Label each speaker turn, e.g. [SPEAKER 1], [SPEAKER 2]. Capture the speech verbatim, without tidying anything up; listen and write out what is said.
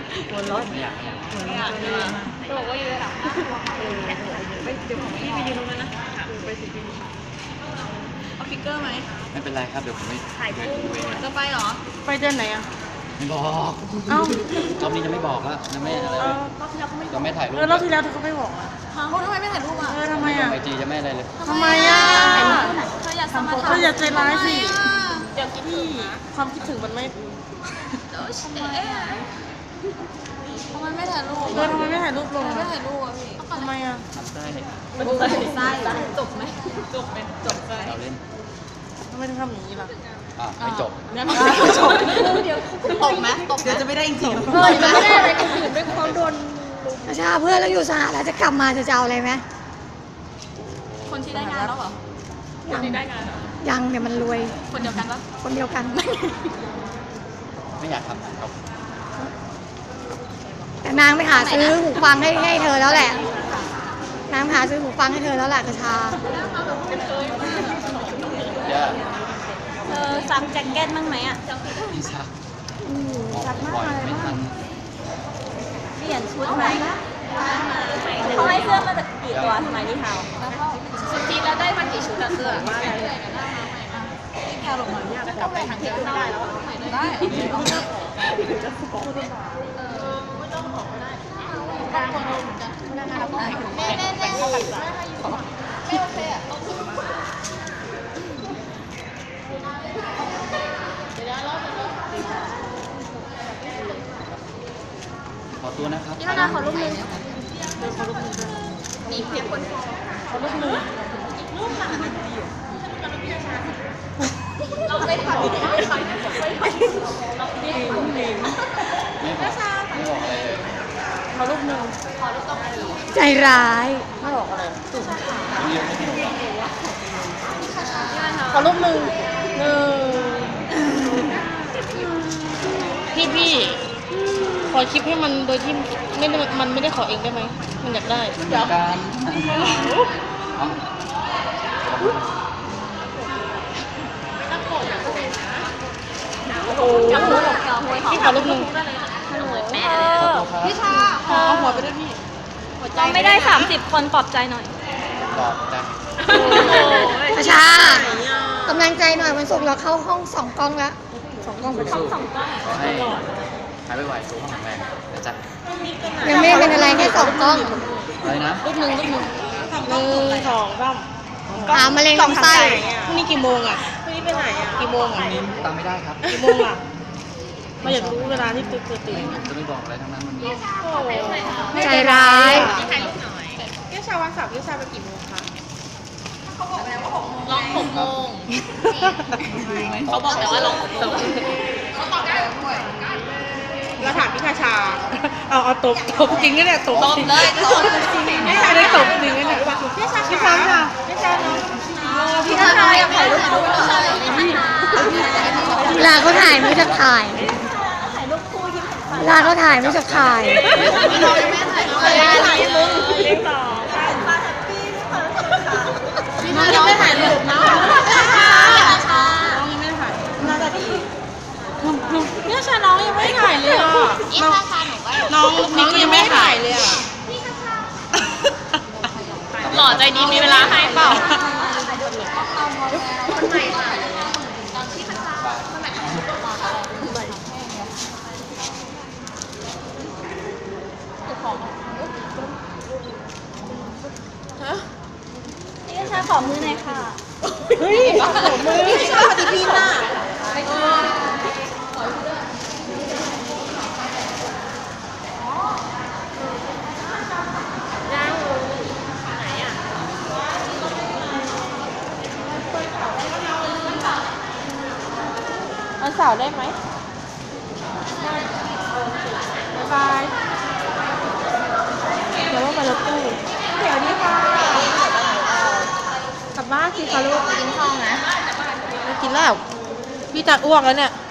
[SPEAKER 1] หัวร้อน
[SPEAKER 2] ไม่อยากไม่อยาก
[SPEAKER 1] เหมือนกันเลยบอกว่าอยู่ระดับไปเดี๋ยวของพี่ไปยืนตรงนั้นนะไปสิพี่เอาฟิกเกอร์ไหม
[SPEAKER 2] ไม่เป็นไรครับเดี๋ยวผมไม่ถ่ายรูป
[SPEAKER 1] จะไปเหรอไปเดือนไหนอ่ะ
[SPEAKER 2] ไม่บอก
[SPEAKER 1] เอ้าร
[SPEAKER 2] อบนี้จะไม่บอกแล้วจะไม่อะไรเลยจะไม่ถ่ายรูป
[SPEAKER 1] เออรอบที่แล้วเธอก็ไม่บอกอ่ะเขาทำไมไม่ถ่ายรูปอ่ะเออทำไมอ่ะ
[SPEAKER 2] ไอจีจะไม่อะไรเลย
[SPEAKER 1] ทำไมอ่ะเธออยากสมัครเธออยากใจร้ายสิเดี๋ยวคิดที่ความคิดถึงมันไม่ทำไมทำไมไม่ถ่ายรูปเออทำไมไม่ถ่ายรูปลงไม่ถ่ายรูปอ่ะพี่ทำไมอ่ะ
[SPEAKER 2] ทำได้
[SPEAKER 1] ไส้จบไหมจบไหมจบไส้
[SPEAKER 2] เราเล่น
[SPEAKER 1] ทำไมถึงทำอย่างนี้ล่ะ
[SPEAKER 2] อ่ะไม่จบ
[SPEAKER 1] งั้นไม่จบเดี๋ยวตกไหมตกเดี๋ยวจะไม่ได้จริงๆเฮ้ยไม่ได้อะไรคนอื่นไม่ความโดน
[SPEAKER 3] ชาเพื่อนเราอยู่สหรัฐจะกลับมาจะจะเอาอะไรไหม
[SPEAKER 1] คนที่ได้งานแล้วเหรอคนที่ได้งาน
[SPEAKER 3] ยังเนี่ยมันรวย
[SPEAKER 1] คนเดียวกันปะ
[SPEAKER 3] คนเดียวกัน
[SPEAKER 2] ไม่อยากทำครับ
[SPEAKER 3] แต่นางไปหาซื้อหูฟังให้ให้เธอแล้วแหละนางหาซื้อหูฟังให้เธอแล้วแหละกระชา
[SPEAKER 2] เยอะ
[SPEAKER 1] เธอซักแจ็คเก็ตบ้างไหมอ่ะ
[SPEAKER 2] พี่ซัก
[SPEAKER 3] ชัดมากเลย
[SPEAKER 2] ไม่ทัน
[SPEAKER 1] เปลี่ยนชุดไหมเขาให้เสื้อมาจากกี่ตัวสมัยนี้เทาสุดทีแล้วได้มากี่ชุดอะเสื้อมาอะไรที่แพลลงมาเนี่ยจะกลับไปทางเที่ยวไม่ได้แล้วได้แม่แม่แม่เข้ากันจ้ะไม่โอเคอ่ะ
[SPEAKER 2] ขอตัวนะครับ
[SPEAKER 1] พี่นาขอรูปนึงขอรูปนึงมีเพียงคนขอรูปนึงรูปหลังเราไม่ถ่ายไม่ถ่ายไม่ถ่ายเราไม่ถ่ายไม่
[SPEAKER 2] ไม่บอกอะไรเลย
[SPEAKER 1] ขอรูปนึงขอรูปต้องดี
[SPEAKER 3] ใจร้าย
[SPEAKER 1] ไม่บอกอะไรขอรูปนึงหนึ่งพี่พี่ขอคลิปให้มันโดยที่ไม่มันไม่ได้ขอเองได้ไหมมันอยากได้
[SPEAKER 2] เดี๋ยวการ
[SPEAKER 1] โอ้โหพี่ขอรูปนึงพี่ชาขอหัวไปด้วยพี่เราไม่ได้สามสิบคนปลอบใจหน่อย
[SPEAKER 2] ปลอบใจ
[SPEAKER 3] กระชากำลังใจหน่อยวันศุกร์เราเข้าห้องสองกล้องแล้วสองกล้องไป
[SPEAKER 2] ห้องสองกล้องขอให้หายไปไหวสู้ห้องแข็งแรงนะจ๊ะ
[SPEAKER 3] ยังไม่เป็นอะไรแค่สองกล้อง
[SPEAKER 2] อะไรนะ
[SPEAKER 1] รูปหนึ่งรูปหนึ่งหนึ่งสองสาม
[SPEAKER 3] หามะเร็งลำไส้
[SPEAKER 1] พรุ่งนี้กี่โมงอ่ะพรุ่งนี้ไปไหนอ่ะกี่โมงอ่ะ
[SPEAKER 2] ตามไม่ได้ครับ
[SPEAKER 1] กี่โมงอ่ะเราอยากรู้เวลาที่ตื่นตื่น
[SPEAKER 2] จะไม่บอกอะไรทั้งนั้น
[SPEAKER 3] มันใจร้าย
[SPEAKER 1] ถ่ายรูปหน่อยเกี่ยวชาวันสับเกี่ยวชาไปกี่โมงคะเขาบอกแล้วว่าหกโมงลองหกโมงเขาบอกแต่ว่าลองหกโมงเขาตอบได้ด้วยเราถามพี่คาชาเอาเอาตบตบจริงเนี่ยตบเลยตบจริงไม่ใช่ได้ตบจริงเนี่ยพี่ชาพี่ชาค่ะพี่ชาเนาะพี่ชาอยากถ่ายรูปคู่พี่ชาเลย
[SPEAKER 3] เวลาเขาถ่ายไม่จะถ่าย
[SPEAKER 1] ถ่ายรูปคู่ยิ้ม
[SPEAKER 3] เวลาเขาถ่ายไม่จะถ่าย
[SPEAKER 1] เรายังไม่ถ่ายเลยถ่ายมึงเลี้ยงต่อมาแฮปปี้พี่ชายังไม่ถ่ายรูปนะพี่ชาน้องยังไม่ถ่ายน่าจะดีพี่ชาน้องยังไม่ถ่ายเลยอ่ะน้องน้องยังไม่ถ่ายเลยอ่ะหล่อใจดีมีเวลาให้เปล่าคนใหม่ค่ะตอนที่มันคนใหม่พี่ชาขอมือหน่อยค่ะเฮ้ยขอมือพี่ชาปฏิทินน่ะวันเสาร์ได้ไหมบ๊ายบายเดี๋ยวว่าไปรถตู้เดี๋ยวนี้ค่ะกลับบ้านสิคะลูกกินข้าวนะไม่กินแล้วพี่จะอ้วกแล้วเนี่ย